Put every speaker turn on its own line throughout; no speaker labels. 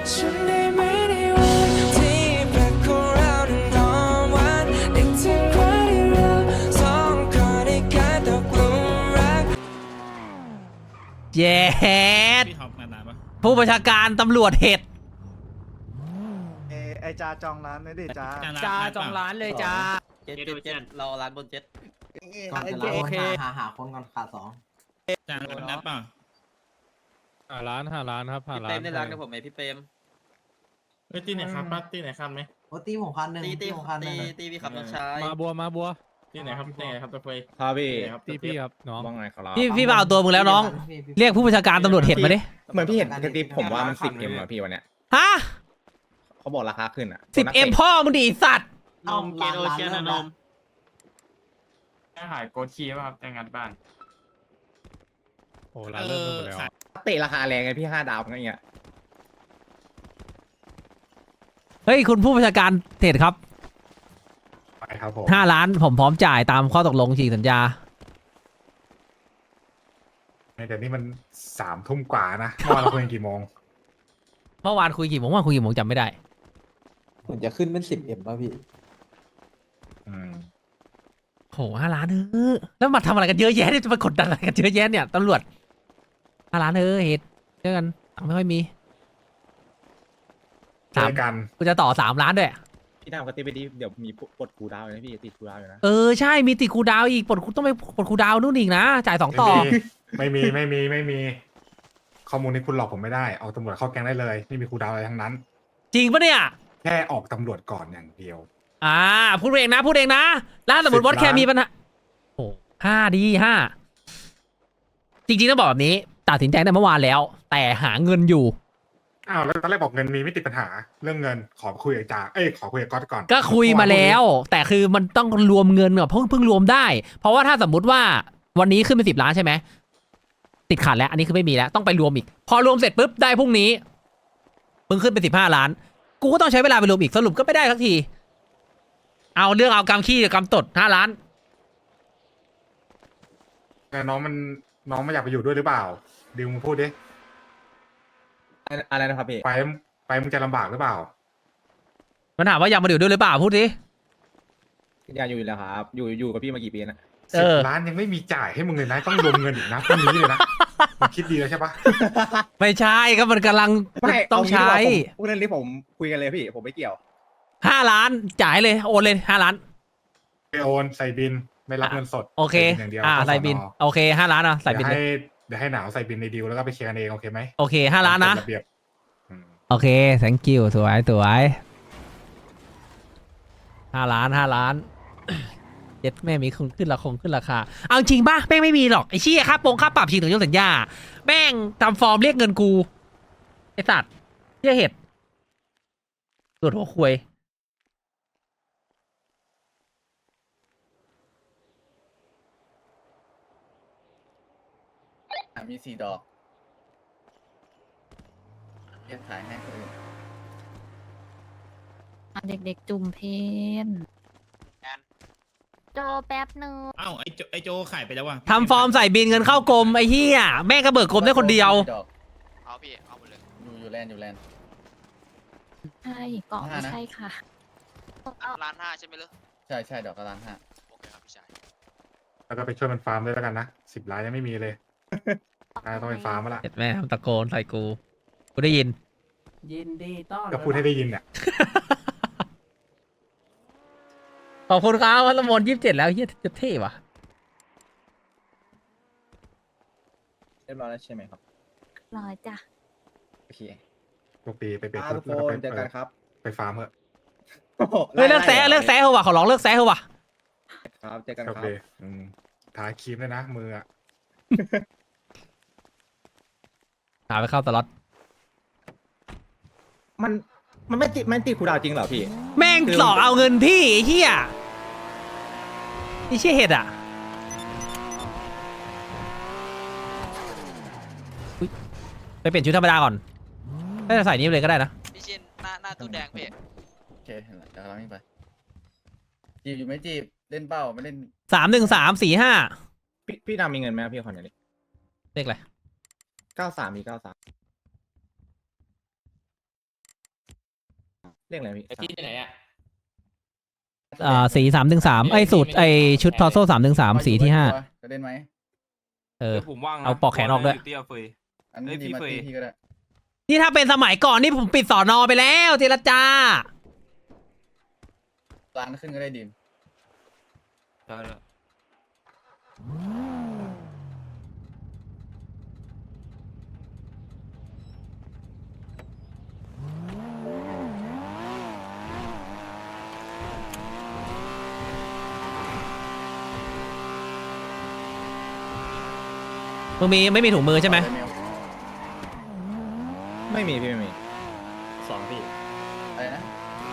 ฉันได้ไหมในวันที่แปลกของเรานั้นหอมหวานนึกถึงวันที่เราสองคนได้กลายตกหลุมรัก
เย็ด
พี่ท็อปมานานปะ
ผู้บัญชาการตำรวจเห็ด
ไอจาจองร้านนะดิจา
จ้าจองร้าน
เลยจ้า
เจ็ดเราร้านบนเจ็ด
ก่อนจะรับ
โอเค
หาคนก่อนขาดสอง
จ้างรถนัดเปล่า
หาร้านครับหา
พี่
ร้า
เปร
น
มได้ร้านกับผมไหมพี่เปรม
ตีไหนครับป้าตีไหนครับไหม
โอ้ตีผมคันหนึ่ง
ตี
ผมคันหนึ่ง
พี่ขับน้องชาย
มาบัว
ตีไหนครับตีไหนครับตะเฟย
ครับพี่
ตีพี่ครับน้อง
ว่าไงครับ
พี่มาเอาตัวมึงแล้วน้อง เรียกผู้บัญชาการตำรวจเห็ดมาดิ
เหมือนพี่เห็นกระติบผมว่ามัน10Mอะพี่วันเนี้ย
ฮะ
เขาบอกราคาขึ้นอ่ะ
10M พ่อมึงดิไอ้สัตว์
นมเกโอเชียนะนม
หายโกชีป่ะครับแต่งงานบ้าน
โอ้ร้านเริ่มหมดแล้ว
เตะราคาแรงไงพี่5 ดาวอะไรเงี้ย
เฮ้ยคุณผู้บัญชาการเห็ดครับ
ไปครับผม
5 ล้านผมพร้อมจ่ายตามข้อตกลงฉีกสัญญา
แต่นี่มัน3 ทุ่มกว่านะเมื่อวานเราคุยกันกี่โมง
เมื่อวานคุยกี่โมงจำไม่ได้
เหมือนจะขึ้นเป็น10Mป่ะพี่
โห5 ล้านแล้วมาทำอะไรกันเยอะแยะเนี่ยจะมากดดันอะไรกันเยอะแยะเนี่ยตำรวจ5 ล้านเห็ดเจอกันตังค์ไม่ค่อยมี
เจอกัน
กูจะต่อ3 ล้านด้วย
พี่ดาวกระติบไปดิเดี๋ยวมีปลดคูลดาวน์เลยนะพี่ติดคูลดาวน์อยู่นะ
ใช่มีติดคูลดาวน์อีกต้องไปปลดคูลดาวน์นู่นอีกนะจ่าย2 ต่อ
ไม่มีข้อมูลนี้คุณหลอกผมไม่ได้เอาตำรวจเข้าแก๊งได้เลยไม่มีครูดาวอะไรทั้งนั้น
จริงปะเนี่ย
แค่ออกตำรวจก่อนอย่างเดียว
พูดเองนะแล้วสมมติว่า
10 ล้าน
แค่มีปัญหาโอ้5 ดี 5จริงๆต้องบอกแบบนี้ตัดสินใจตั้งแต่เมื่อวานแล้ว แต่หาเงินอยู่
อ้าวแล้วตอนแรกบอกเงินมีไม่ติดปัญหาเรื่องเงินขอคุยกับจ่าขอคุยกับก๊อตก่อน
ก็คุยมาแล้ว แต่คือมันต้องรวมเงินก่อนเพิ่งรวมได้ เพราะว่าถ้าสมมุติว่าวันนี้ขึ้นเป็น10 ล้านใช่ไหมติดขัดแล้วอันนี้คือไม่มีแล้วต้องไปรวมอีก พอรวมเสร็จปุ๊บได้พรุ่งนี้มึงขึ้นเป็น15 ล้าน กูก็ต้องใช้เวลาไปรวมอีกสรุปก็ไม่ได้สักทีเอาเรื่องเอากำขี้กับกำตด5 ล้าน
แต่น้องไม่อยากไปอยู่ด้วยหรือเปล่าดิวมึงพูดดิ
อะไรนะครับพี่
ไปมึงจะลำบากหรือเปล่า
มันถามว่าอยากมาอยู่ด้วยหรือเปล่าพูดดิ
อยากอยู่แล้วครับอยู่กับพี่มากี่ปีนะ
10 ล้านยังไม่มีจ่ายให้มึงเลยนะต้องรวมเงินอีกนะพรุ่งนี้เลยนะมึงคิดดีแล้วใช่ปะ
ไม่ใช่ก็มันกำลังต้องใช้
พูดเรื่องนี้ผมคุยกันเลยพี่ผมไม่เกี่ยว
5 ล้านจ่ายเลยโอนเลย5 ล้าน
ไปโอนใส่บินไม่รับเงินสด
โอเค
ใส่บินอย่างเดียว
ใส่บินโอเค5 ล้านใส่บินเลย
เดี๋ยวให้หนาวใส่บินในดีลแล้วก็ไปเคลียร์กันเองโอเคไหม
โอเค5 ล้านนะ
ตมกฎระเบียบ
โอเค thank you สวย5 ล้านเจ็ดแม่มีขึ้นราคาเอาจริงป่ะแม่งไม่มีหรอกไอ้เชี่ยค่าปรับฉีกถึงยกสัญญาแม่งทำฟอร์มเรียกเงินกูไอ้สัตว์เชี่ยเห็ดตรวจหัวควย
มี4 ดอกเรียกถ่ายให้คนอื่น
เด็กๆจุ่มเพนโจแป๊บนึง
เอ้าไอโจขายไปแล้วว่ะ
ทำฟอร์มใส่บินเงินเข้ากรมไอ้เหี้ยแม่งก็เบิกกรมได้คนเดียว
เอาพี่เอาหมดเลยอยู่แลนด์
ใช่เกาะไม่ใช่ค่ะ
ล้าน5ใช่ไหมล่ะใช่ดอกละล้าน5โอเคครับพี่ชาย
แล้วก็ไปช่วยมันฟาร์มด้วยแล้วกันนะ10 ล้านยังไม่มีเลยต้องไปฟาร์มมาละ
เห็นแม่ทำตะโกนใส่กูได้ยิน
ยินดีต้อน
ก็พูดให้ได้ยินเนี่ย
ขอบคุณครับวัลมน27แล้วเฮียจะเท่ว่ะ
เรียบร้อยแล้วใช่ไหมครับ
รอจ้ะ
โอเค
ปกติไปเปลี่ยน
ทุก
แล้ว
ค
ก็ไป
นเจอกันครับ
ไปฟาร์มเถอะ
เฮ้ยเลิกแซะเหอะว่ะขอร้องเลิกแซะเหอะว่ะ
ครับเจอกัน
โอ
ครั
เค
บ
ทาครีมด้วยนะมืออะ
หาไปเข้าตลอด
มันไม่ติดคูลดาวน์จริงเหรอพี่
แม่งหลอกเอาเงินพี่ไอ้เหี้ยไอ้เชี่ยเห็ดอ่ะอุ๊ยไปเปลี่ยนชุดธรรมดาก่อนถ้าจะใส่นี้เลยก็ได้นะ
พี่ชินหน้าตู้แดงพี่โอเคเห็นแล้วเดี๋ยวเราวิ่งไปจีบอยู่ไหมจีบเล่นเป้าไม่เล่น
31345
พี่ดำมีเงินไหมพี่คนนี้
เลขอะไร
93มี93 เรียกอะไรพี่
ที่ไหนอ่ะ
สี313ไอ้สูตรไอ้ชุดทอโซ่313สีที่5
จะเล่นไหม
ผมว่าง
เอาปอกแขนออกด้วย
เตี้ยเฟย
อันนี้
เอ้ยพี่
มา
เฟย
ตีพี่ก็ได้
นี่ถ้าเป็นสมัยก่อนนี่ผมปิดสอนอไปแล้วเจรจา
ร้านขึ้นก็ได้ดิม
มึงไม่มีถุงมือใช่ไหม
ไม่มีพี่ไม่มีสองพี่
อะไรนะ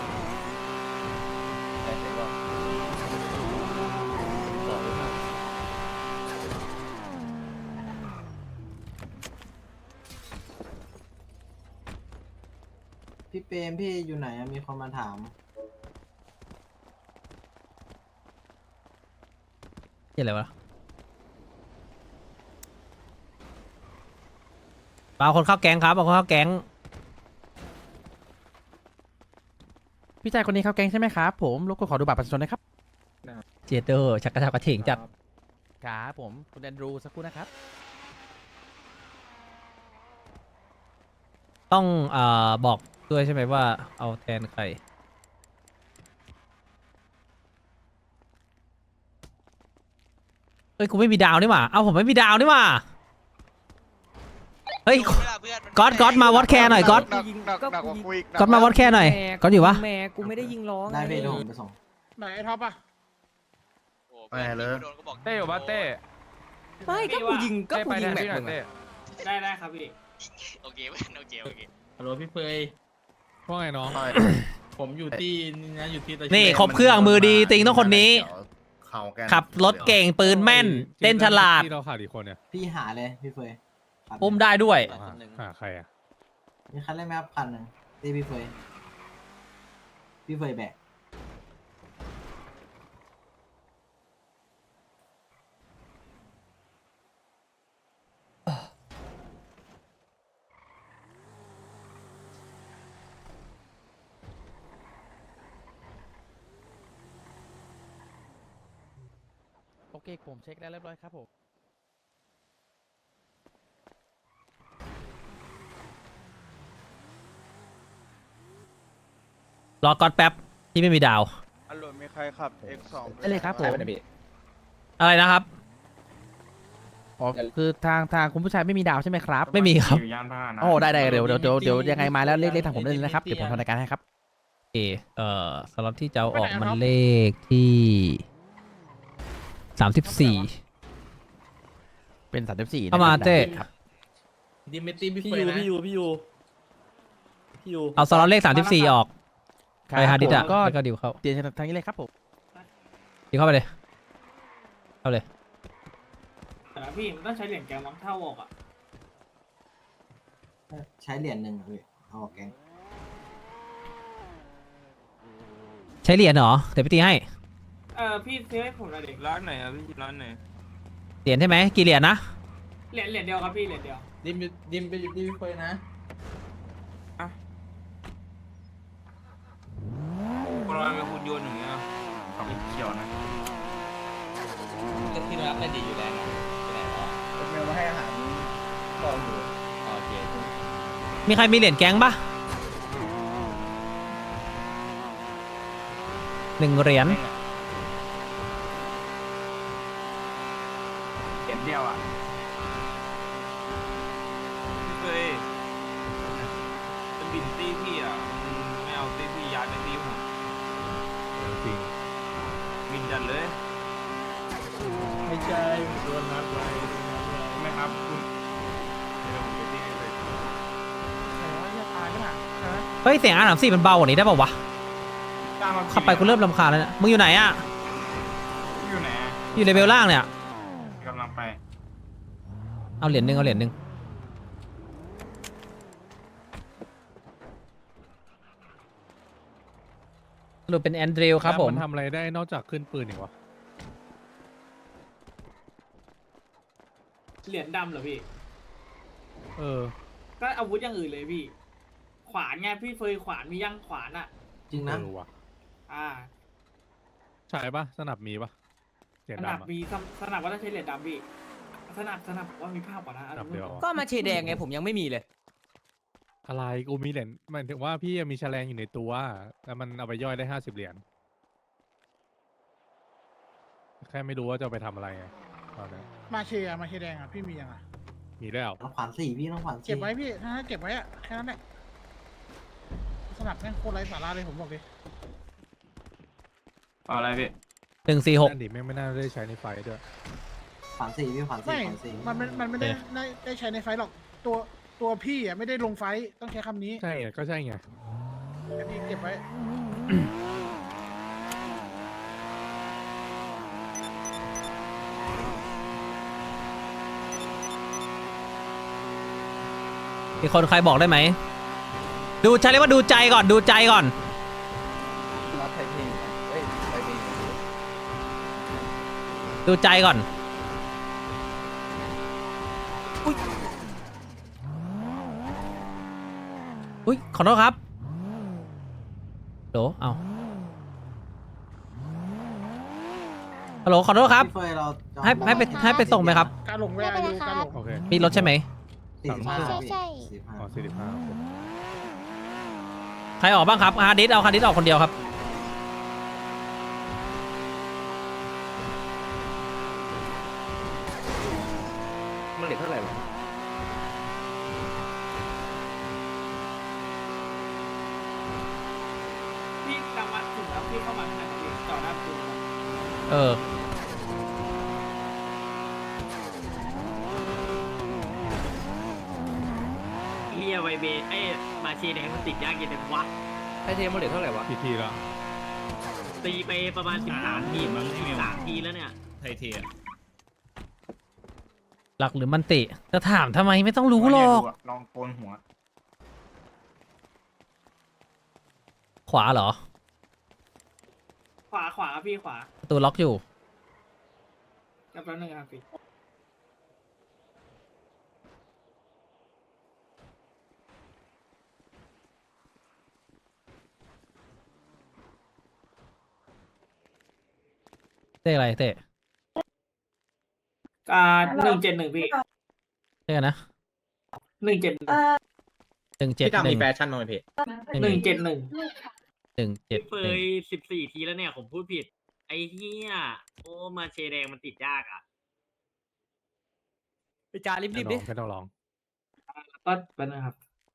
ใช่เสร็จก็
สองหรือเปล่า
พี่เปรมพี่อยู่ไหนอะมีคนมาถาม
เหี้ยอะไรวะเอาคนเข้าแก๊งครับเอาคนเข้าแก๊ง
พี่ชายคนนี้เข้าแก๊งใช่ไหมครับผมรบกวนขอดูบัตรประชาชนนะครับ
เจเดอร์ชักกระชากกระเฉงจัด
ครับผมคุณแอนดรูสักครู่นะครับ
ต้องบอกด้วยใช่ไหมว่าเอาแทนใครเฮ้ยกูไม่มีดาวนี่หว่าเอาผมไม่มีดาวนี่หว่าเฮ้ยก๊อตมาวัดแคร์หน่อยก๊อตก๊อตมาวัดแคร์หน่อยก๊อตอยู่ปะ
แม่กูไม่ได้ยิงร้องได้พี่เดี๋ยวผมไปส่ง
ไหนท็อปอ่ะ
ไม่เลย
เต้อยู่บ้านเต้
ไม่ก็กูยิงก็กูยิงแม็ก
หน่อย
มึง
เต้
อะ
ได้ครับพี่
โอเคโอเค
ฮัลโหลพี่เฟย
ว่าไงน้อง
ผมอยู่ที่นี่นะอยู่ที่ตะ
นี่ครบเครื่องมือดีติงต้องคนนี้ ขับรถเก่งปืนแม่นเต้นฉลาด
ที่เราขาดอีกคนเนี่ย
พี่หาเลยพี่เฟยคันหนึ่ง
อุ้มได้ด้วย
หาใครอ่ะ
มีคันเล่นไหมครับคันหนึ่งตีพี่เฟยพี่เฟยแบก
โอเคผมเช็คแล้วเรียบร้อยครับผม
รอก๊อตแป๊บที่ไม่มีดาว
อารมณ์มีใครขับ X2
ได้เลยครับผม
ไปไหนพี่
อะไรนะครับ
อ๋อคือทางคุณผู้ชายไม่มีดาวใช่ไหมครับ
ไม่มีครับ
อยู่ย่านผ้านะ
โอ้ได้เดี๋ยวยังไงมาแล้วเรียกทางผมได้เลยนะครับเดี๋ยวผมทำรายการให้ครับ
โอเคสำหรับที่จะเอาออกมันเลขที่34
เป็น34
เข้ามาเต้
ครับ
ดิมิตี้พี่เฟยนะพี่ยู
เอาสล็อตเลข34ออกไปฮาร์ดดิสก์อะ
ก็
แล้วก็ดิวเข้า
เตียนทางนี้เลยครับผม
ดิวเข้าไปเลยเข้าเลย
แต่พี่มันต้องใช้เหรียญแกงมั้งเท่าออกอ่ะ
ใช้เหรียญหนึ่งอะพี่เอาออกแกง
ใช้เหรียญเหรอเดี๋ยวไปตีให้
พี่ซื้อให้ผมหน่อยดิร้านไหนอ่ะพี่ร้านไหน
เหรียญใช่ไหมกี่เหรียญนะ
เหรียญเดียวครับพี่เหรียญเดียวดิมไปอยู่ที่พี่เฟยนะคนเราเป็นคุณโยนอย่างเงี้ยกับเขียวนะที่รับได้ดีอยู่แล้วไปไหนวะ
เป็นเมลมาให้อาหารกองอยู่
โอเค
มีใครมีเหรียญแก๊งปะ1 เหรียญ
เห็นเดียวอ่ะ
พี่เฟยเป็นบินตี้พี่อ่ะไม่เอาตี้พี่ย้ายไปตี้ผม
จริง
บินจัดเลย
ไม่ใช่โดนนัดไว้ไหมครับคุณเดี๋ยวผมไปที่เลย
เฮ้ยเสียงR34มันเบากว่านี้ได้ป่าวะขับไปกูเริ่มรำคาญแล้วเนี่ยมึงอยู่ไหนอะ
อยู่ไหน
อยู่เลเวลล่างเนี่ย
กำลังไป
เอาเหรียญหนึ่งสรุปเป็นแอนดริวครับผม
มันทำอะไรได้นอกจากขึ้นปืนอีกวะ
เหรียญดำเหรอพี่
เออ
ก็อาวุธอย่างอื่นเลยพี่ ขวานไงพี่เฟยขวานมียังขวานอ่ะ
จริงนะ
ว่ะ
อ่า
ใช่ปะสนับมีปะเสียง
สนับ
ดำอะ
มีสนับว่าต้องใช้เหรียญดำพี่สนับว่ามีภาพก่อนนะ
สนับเดียว
ก็มาเชแดงไงผมยังไม่มีเลย
อะไรกูมีเหรียญหมายถึงว่าพี่มีแฉลงอยู่ในตัวแล้วมันเอาไปย่อยได้50 เหรียญแค่ไม่รู้ว่าจะเอาไปทำอะไรไงตอนนั้น
มาเชแดงอ่ะพี่มียังอ่ะ
มีแล้ว
น้องขวัญสี่พี่น้องขวัญสี่
เก็บไว้พี่ถ้าเก็บไว้อ่ะแค่นั้นแหละสนับแม่งโคตรไร้สาระเลยผมบอกเลย
เอาอะไรพี่
146
นั่นดิแม่งไม่น่าได้ใช้ในไฟด้วย
ขวัญสี่พี่ขวัญสี่
ไม่
ขวัญสี่
มันไม่ได้ใช้ในไฟหรอกตัวพี่อ่ะไม่ได้ลงไฟต้องใช้คำนี้
ใช่ไงก็ใช่ไง
แต่พี่เก็บไว้
มีคนใครบอกได้ไหมดูใช้เรียกว่าดูใจก่อนดูใจก่อน
รับไทยพีเอ้ยไทยพี
ดูใจก่อนอุ้ยขอโทษครับโหลเอาฮัลโหลขอโทษครับ
พี่เฟยเราจะ
ให้ไปส่งไหมครับ
การหลงเวลาอยู่การหลง
โอเค
มีรถใช่ไหม
45
ใช่
พี่45
อ๋อ45โอเค
ใครออกบ้างครับฮาร์ดดิสเอาฮาร์ดดิสออกคนเดียวครับ
มันเหลือเท่าไหร่วะ
พี่จังหวะถึงแล้วพี่เข้ามาขนาดนี้จอดหน้าประตู
เออ
เฮียไวเบไอ้มาเชแดงมันติดยากยังไงวะ
ไทเทมันเหลือเท่าไหร่วะ
พี่ทีแล้ว
ตีไปประมาณ13 ทีมั้ง13 ทีแล้วเนี่ย
ไทเทอะ
หลักหรือมันติจะถามทำไมไม่ต้องรู้หรอก
ลองโกนหัว
ขวาเหรอ
ขวาพี่ขวา
ประตูล็อกอยู่
แป๊บนึงครับพี่
เต้อะไรเต้
171พี่
เต้กันนะ
171
171
พี่ดำมีแฟชั่นมาไหมพี่
171
171
เฟย14 ทีแล้วเนี่ยผมพูดผิด ไอ้เฮียโอ้มาเชแดงมันติดยากอ่ะไปจารีบๆดิ
ไม่ต้องลอง
ก็เป็นนะครับ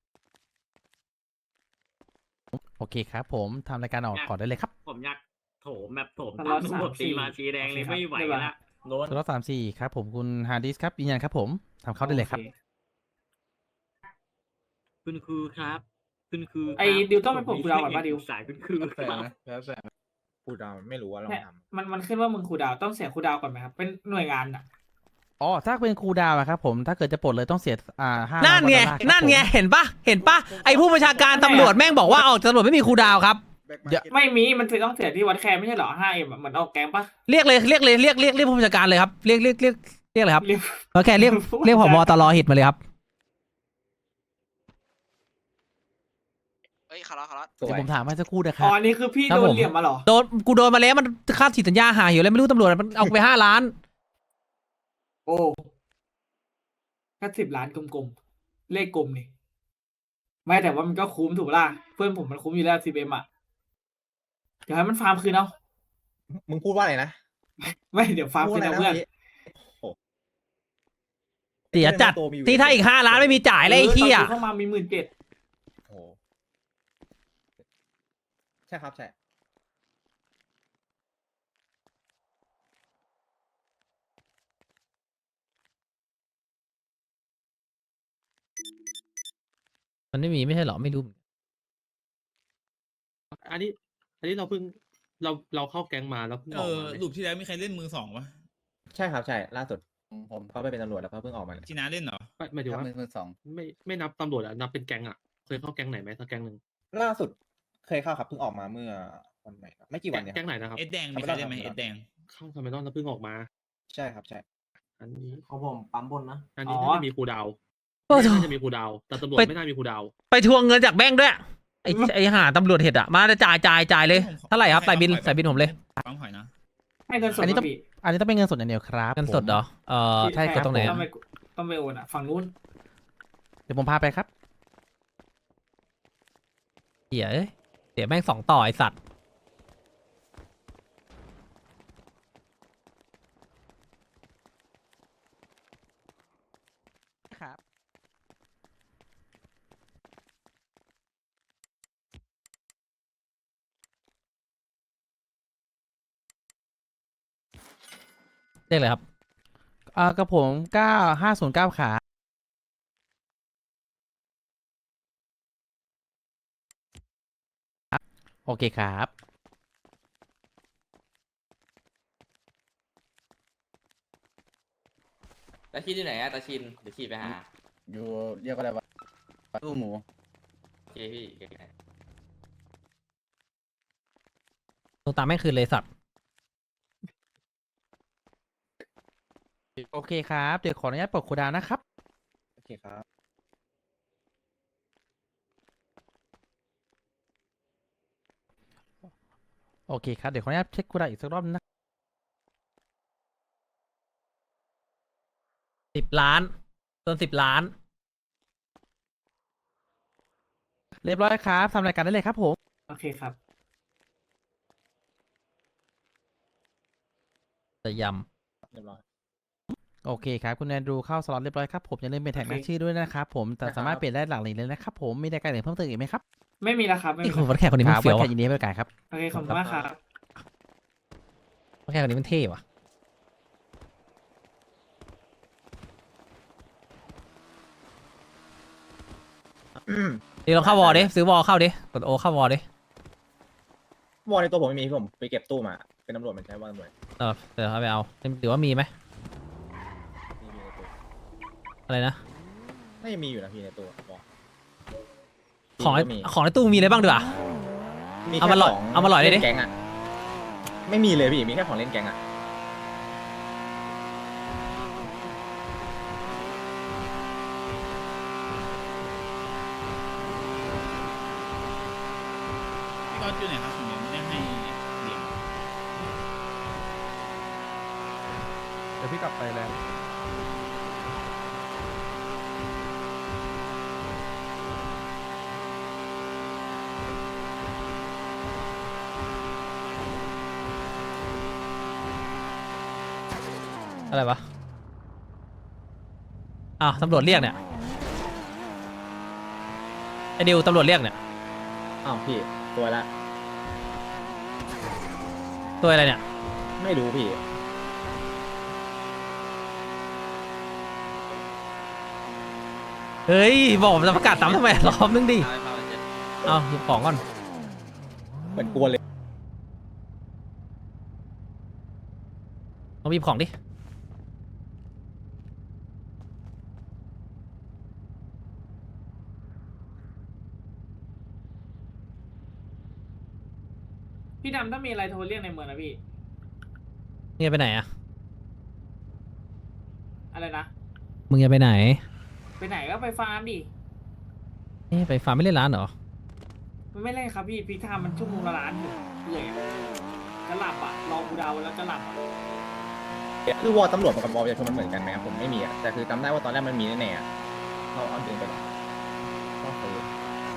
โอเคครับผมทำรายการออกก่อนได้เลยครับ
ผมอยากโถมแบบโถม
ต
ตา
ลอ
ม
ด
ระบบ
3-4
ตีมาเชแดงเลยไม่ไหวละ
สล็อต34ครับผมคุณฮาร์ดิสครับยืนยันครับผมทำเข้าได้เลยครับ
โอ
คุณครูครับคุณครูครับ
ไอ้ดิวต้องไปปลุกคุณดาวก่อนป่ะดิว
สายคุณครู
แล้วแต่นะแล้วแต่พูดเราไม่รู้ว่าเรา
เนี่ย
ทำ
มันขึ้นว่ามึงครูดาวต้องเสียครูดาวก่อนไหมครับ เป็นหน่วยงานอ่ะ
อ๋อถ้าเป็นครูดาวอะครับผมถ้าเกิดจะปลดเลยต้องเสีย5
นั่นไง
ดอลลาร์ครับ
นั่นไง
ผม
เห็นปะเห็นปะไอผู้บัญชาการตำรวจแม่งบอกว่าออกตำรวจไม่มีครูดาวครับ
ไม่มีมันต้องเสียที่วัดแคร์ไม่ใช่เหรอ 5M อะเหมือนออกแก๊งปะ
เรียกผู้บัญชาการเลยครับเรียกเลยครับ
เรียก
โอเคเรียกผบตรหิตมาเลยครับ
เอ้ยคาร์ล
สว
เดี๋ย
ยว
ผมถามให้สักครู่นะค
อ๋
รับ
อนี่คือพี่
ครับ
โด
ผ
น
ม
เหลี่ยมมาเหรอ
กูโดนมาแล้วมันค่าฉีดสัญญาหายอยู่แล้วไม่รู้ตำรวจมันเอาไป5 ล้าน
โอ้แค่10 ล้านกลมๆ เลขกลมนี่ ไม่แต่ว่ามันก็คุ้มถูกปะล่ะ เพื่อนผมมันคุ้มอยู่แล้ว 10M อ่ะ เดี๋ยวให้มันฟาร์มคืนเอา
มึงพูดว่าอะไรนะ
ไม่เดี๋ยวฟาร์มคืนเอาเพื่อน
เสียจัดที่ถ้าอีก5 ล้านไม่มีจ่ายเลยไอ้เหี้ย
ตนเข้ามามี17,000
โอ้โหใช่ครับใช่
มันไม่มีไม่ใช่หรอไม่รู้
อันนี้เราเพิ่งเราเข้าแก๊งมาแล้วเพิ่งออกมา
ลูปที่แล้วมีใครเล่นมือสองวะ
ใช่ครับใช่ล่าสุดผมเขาไปเป็นตำรวจแล้วเขาเพิ่งออกมาเลย
จีน่าเล่นเหรอ
หมายถึง
ครับ
ว่า
มือสอง
ไม่นับตำรวจอะนับเป็นแก๊งอะเคยเข้าแก๊งไหนไหมสักแก๊งหนึ่ง
ล่าสุดเคยเข้าครับเพิ่งออกมาเมื่อวันไหนครับไม่กี่วันเนี่ยค
แก๊
รับ
งไหนนะครับ
เอ็ดแดงมีใครเล่นไหมเอ็ดแดง
เข้าทำไมต้องแล้วเพิ่งออกมา
ใช่ครับใช่
อันนี้
ของผมปั๊มบนนะ
อันนี้
อ๋อ
น่าจะมีครูดาว
โอ้โห
น่าจะมีครูดาว แต่ตำรวจ
ไป
ไม่น่ามีครูดาว
ไปทวงเงินจากแบงค์ด้วยไอหาตำรวจเห็ดอะมาจ่ายเลยเท่าไหร่ครับใส่บินผมเลย
ปั๊มหอยนะ
ให้เงินสด
อันนี้ต้อง
พี่
อันนี้ต้องเป็นเงินสดอย่างเดียวครับ
เงินสดเหรอใช่กดตรงไหน
ต้องไปโอนอ่ะฝั่งนู้น
เดี๋ยวผมพาไปครับ
เหี้ยเอ้ยเดี๋ยวแม่ง2 ต่อไอสัตว์
ครับ
เรียกเลยครับ
กับผม9509ขาโอเคครับ
ตาชินที่ไหนอะตาชินเดี๋ยวขี่ไปหา
อยู่เรียกว่าอะไรวะตู้หมู
โอเคพี่
ตัวตามแม่งคืนเลยสัตว์
โอเคครับ เดี๋ยวขออนุญาตปลดโคดาวนะครับ
โอเคครับ
โอเคครับ เดี๋ยวขออนุญาตเช็คโคดาวอีกสักรอบนะ
10 ล้านเกิน10 ล้าน
เรียบร้อยครับทำรายการได้เลยครับผม
โอเคครับ
แต่ย
เรียบร้อย
โอเคครับ คุณแอนดรูเข้าสล็อตเรียบร้อยครับผมอย่าลืมเป็นแท็ก
โอเค
นักชื่อด้วยนะครับผมแต่สามารถเปลี่ยนได้หลังเลยนะครับผมมีรายการอื่นเพิ่มเติมอีกไหมครับ
ไม่มีแล้วครับ
ำ
ไม่
ไอ้
มี
คน
แล้ว
วัดแขกคนนี้
ค
มัน
รับ
เฟี้ยว
ไว้
ว่ะ
แค่ยินดีให้บริการครับ
โอเคขอบคุณมากครับ
วัดแขกคนนี้มันเท่ว่ะ เดี๋ยวเราเข้าวอลดิซื้อวอลเข้าดิกดโอเข้าวอลดิ
วอลในตัวผมไม่มีผมไปเก็บตู้มา เป็นตำรวจมันใช้วอลตำรวจ
เดี๋ยวเอาไปเอาหรือว่ามีไหม
มีในตู้
อะไรนะ
น่าจะมีอยู่นะพี่ในตู้วอล
ของในตู้มีอะไรบ้างดีกว่า
มี
เอา
แค่
มาหล่อย
ของ
เอามาหล่อยเลยดิ
นแก๊งอะไม่มีเลยพี่ มีแค่ของเล่นแก๊งอะ
พี่ก๊อตอยู่ไหนครับผมยังไม่ได้ให้เหรียญ
เดี๋ยวพี่กลับไปแล้ว
อะไรวะอ้าวตำรวจเรียกเนี่ยไอดิวตำรวจเรียกเนี่ย
อ้าวพี่ตัวละ
ตัวอะไรเนี่ย
ไม่รู้พี่
เฮ้ยบอกผมจะประกาศซ้ำทำไมรอบนึงดิเอาหยิบของก่อน
เหมือนกลัวเลย
เอาหยิบของดิ
พี่ดำถ้ามีอะไรโทรเรียกในเมืองนะพี่
มึงจะไปไหนอะ
อะไรนะ
มึงจะไปไหน
ไปไหนก็ไปฟาร์มดิ
ไปฟาร์มไม่เล่นร้านเหรอ
มันไม่เล่นครับพี่พีทามมันชั่วโมงละล้านอยู่เหนื่อยอะจะหลับอ่ะรอกูเดาแล้วจะหลับอะ
คือวอลตำรวจกับวอลประชาชนมันเหมือนกันไหมครับผมไม่มีอะแต่คือจำได้ว่าตอนแรกมันมีแน่ๆอะเอาดึงไปหรอต้องซื้อ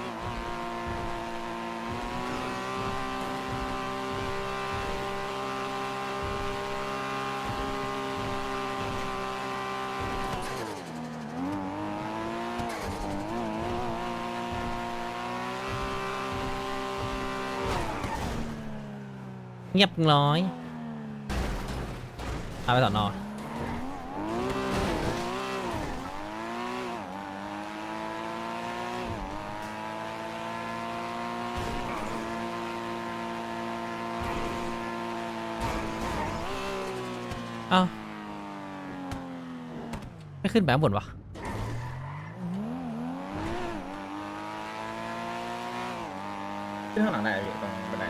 เงียบร้อยเอาไปสอนอเอ้าไม่ขึ้นไปข้างบนวะ
ขึ้นข้างหลังได้พี่ตรงบันได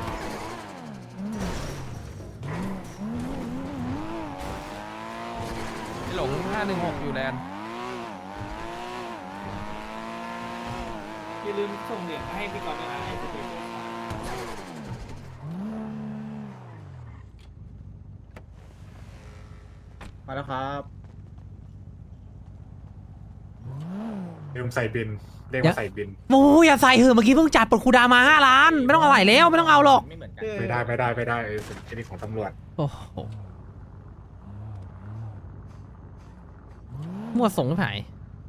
หลง516อยู่แลนด์
อย่าลืมส่งเหรียญมาให้พี่ก่อนด้วยนะไอ้
มาแล้วครับ
ลืมใส่บินเรียกว่าใส่บิน
โอ้ยอย่าใส่เหอะเมื่อกี้เพิ่งจ่ายปลดคูดาวมา5 ล้าน ไม่ต้องเอาใส่แล้วไม่ต้องเอาหรอก
ไม่เหมือนกัน
ไม่ได้อันนี้ของตำรวจ
โอ้โหมั่วสงไม่หาย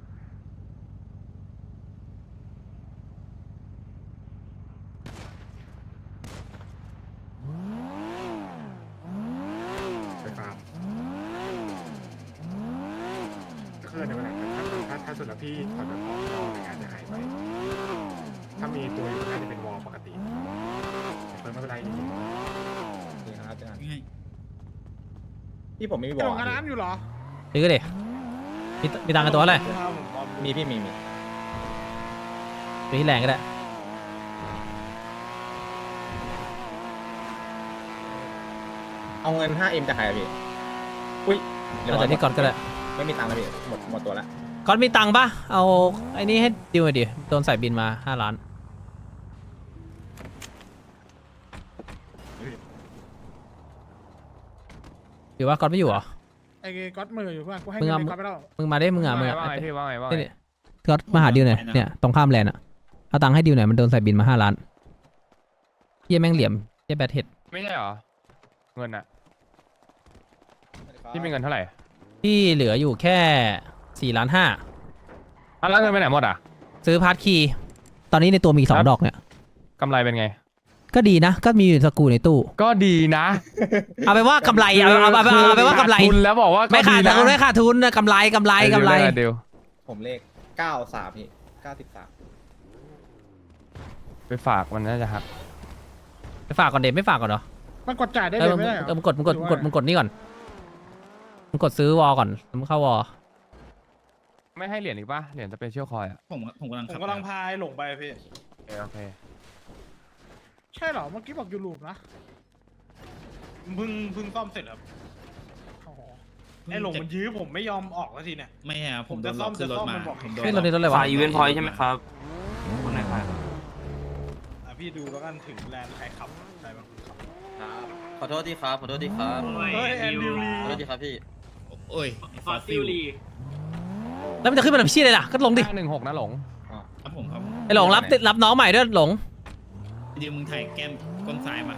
ไปฟาร์มก็คือในเวลาถ้าสุดแล้วพี่ถอดแบบออกนอกงานจะหายไปถ้ามีตัวอยู่น่าจะเป็นวอลปกติเพิ่มไม่เป็นไรจริง
นี่ครับเจอกันพี่ผมไม่มี
ๆ
บ
ก
อ
ล่อง
ล
น้ำอยู่เหรอ
ซื้อก็ดิมีตังค์กันตัวอะไร
มีพี่มี
ซื้อที่แรงก็ได้
เอาเงิน 5M จากใครอะพี่อุ้ยเดี๋ยว
เอาแต่ที่ก่อนก็ได้
ไม่มีตังค์แล้วพี่หมดตัวละ
ก่อนมีตังค์ปะเอาไอ้นี่ให้ดิวหน่อยดิโดนใส่บินมา5 ล้านหรือว่าก่อนไม่อยู่เหรอ
ไอ้ก๊อตมืออยู่เพื่อนกูให้
มึง
เงิน
เอา
ไอ้ก๊อตไปแล้ว
มึงมาได้มึงอ่ะมึงอ่ะ
ว่าไงพี่ว่าไงว่าไง
เนี่ยก็มาหาดิวหน่อยเนี่ยตรงข้ามแลนด์อ่ะเอาตังค์ให้ดิวหน่อยมันโดนใส่บินมา5 ล้านเฮียแม่งเหลี่ยมเฮียแบทเฮด
ไม่ใช่เหรอเงินอะพี่มีเงินเท่าไหร่
ที่เหลืออยู่แค่4 ล้าน 5
แล้วเงินไปไหนหมดอ่ะ
ซื้อพาร์ทคีย์ตอนนี้ในตัวมี2 ดอกเนี่ย
กำไรเป็นไง
ก็ดีนะ ก็มีอยู่สกรูในตู้
ก็ดีนะ
เอาไปว่ากำไรเอาไปว่ากำไร
ขดทุนแล้วบอกว่าก็
ไม่ขาด
นะ
ทุนไม่ขาดทุนนะกำไร
เดี๋ยว
ผมเลข 93 พี่ 93
ไปฝากมันน่าจะหัก
ไปฝากก่อนเด็ไม่ฝากก่อนเหรอ
มันกดจ่ายได้
เอ
เล
อย
ไม่ได้เหรอ
มึงกดนี่ก่อนมึงกดซื้อวอลก่อนแล้วมึงเข้าวอล
ไม่ให้เหรียญอีกป่ะเหรียญสเปเชียลคอยอ่ะ
ผมกำลังพายหลงไปพี่
โอเค
ใช่เหรอเมื่อกี้บอกอยู่ลูปนะ
เพิ่งซ่อมเสร็จครับ
อ๋อ
ไอ้หลงมันยื้อผมไม่ยอมออกสักทีเนี่ยไม่ครับผมจะซ่อมมันบอกผมโดน
เฮ้ยเราได้รถอะไรวะ
อีเวนต์พอยต์ใช่ไหมครับคนไหนครับ
พี่ดูแล้วกันถึงแลนด์ใครขับใครบ้างขับ
ขอโทษทีครับ ขอโทษทีครับ
โอ้ย
เฮ้ยแอนดิวลี
ขอโทษทีครับพี่
โอ้ย
ฟอสซิลลี
แล้วมันจะขึ้นมาทำชี้เลยล่ะก็ลงดิ
516นะหลง
ครับผมครับ
ไอ้หลงรับน้องใหม่ด้วยหลง
ดิวมึงถ่ายแก้มก้นซ้ายมา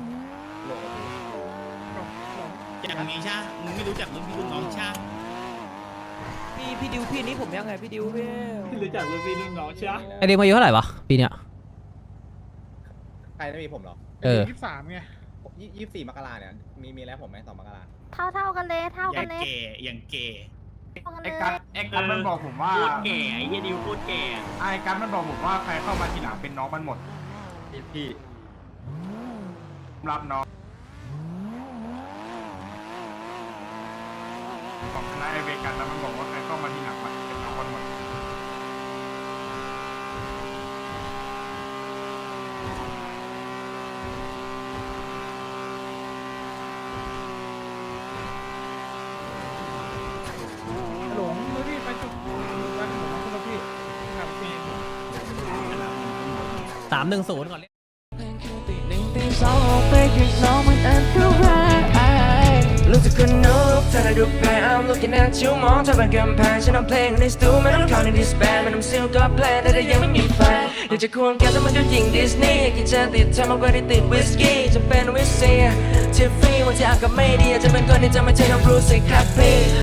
อย่างนี้ใช่มึงไม่รู้จักรุ่นพี่รุ่นน้องใช่
พี่ดิวพี่นี้ผมยังไงพี่ดิวพี่
รู้จักรุ่นพี่รุ่นน้องใช่ไหม
ไอเด็กมาอายุเท่าไหร่วะปีเนี้ย
ใครไม่มีผมเหรอ
เออ
23ไง
24 มกราเนี่ยมีแล้วผมไหม2 มกรา
เท่ากันเลยเท่า
อ
กั
ย่าน ง
เลย
เก๋อย่างเก๋
เท่ากันเลย
ไอ้กันมันบอกผมว่าพูดแก่ไอ้เหี้ยดิวพูดแก่
ไอ้กันมันบอกผมว่าใครเข้ามาทีหลังเป็นน้องมันหมด
พี่
รับน้องของคณะไอเวกันแล้วมันบอกว่าใครเข้ามาทีหลังเป็นน้องมันหมด
หลงแล้วพี่ไปจุดวันหลงคุณพี่ครับพี่
310ก่อนเลย
รู้สึกคนนุกเธอได้ดูแพ้ I'm looking at you มองเธอเป็นกำแพงฉันเอาเพลงในสตูไม่ต้องเข้าในดิสแบนไม่ต้องซิลก็เพลงแต่ยังไม่มีแฟนอยากจะควงแกแต่มันก็ยิงดิสนีย์กินจะติดเธอมากกว่าที่ติดวิสกี้จะเป็นวิสเซียทิฟฟี่วันที่อากาศไม่ดีอาจจะเป็นคนที่จะไม่ใช่น้องบรูซสิครับพี่